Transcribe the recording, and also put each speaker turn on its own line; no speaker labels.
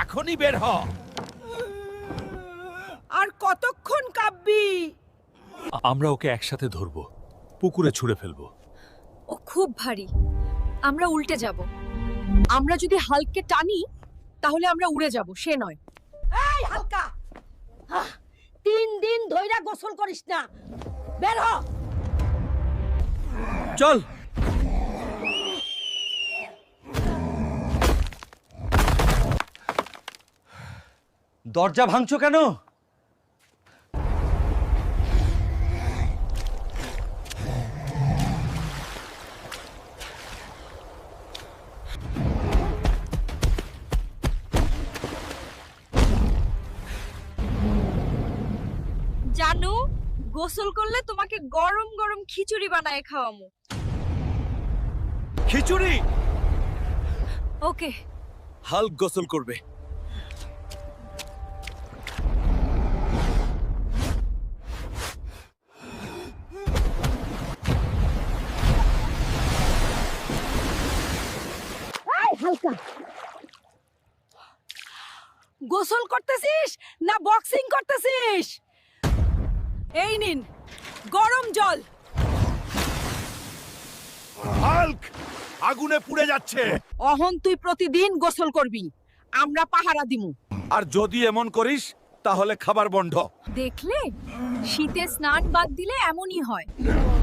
এখনই বের হ।
আর কতক্ষণ কাঁপবি?
আমরা ওকে একসাথে ধরব, পুকুরে ছুঁড়ে ফেলবো।
ও খুব ভারী, আমরা উল্টে যাব। আমরা যদি হালকে টানি তাহলে আমরা উড়ে যাব, সে নয়।
এই হালকা, 3 দিন ধইরা গোসল করিস না, বের হ।
চল।
দরজা ভাঙছো কেন?
জানু, গোসল করলে তোমাকে গরম গরম খিচুড়ি বানায় খাওয়ামু।
খিচুড়ি?
ওকে।
হাল্ক গোসল করবে।
এই হালকা, গোসল করতেছিস না বক্সিং করতেছিস? এই নিন গরম জল।
হাল্ক আগুনে পুড়ে যাচ্ছে।
অহন তুই প্রতিদিন গোসল করবি, আমরা পাহারা দিমু।
আর যদি এমন করিস তাহলে খাবার বন্ধ।
দেখলে, শীতে স্নান বাদ দিলে এমনই হয়।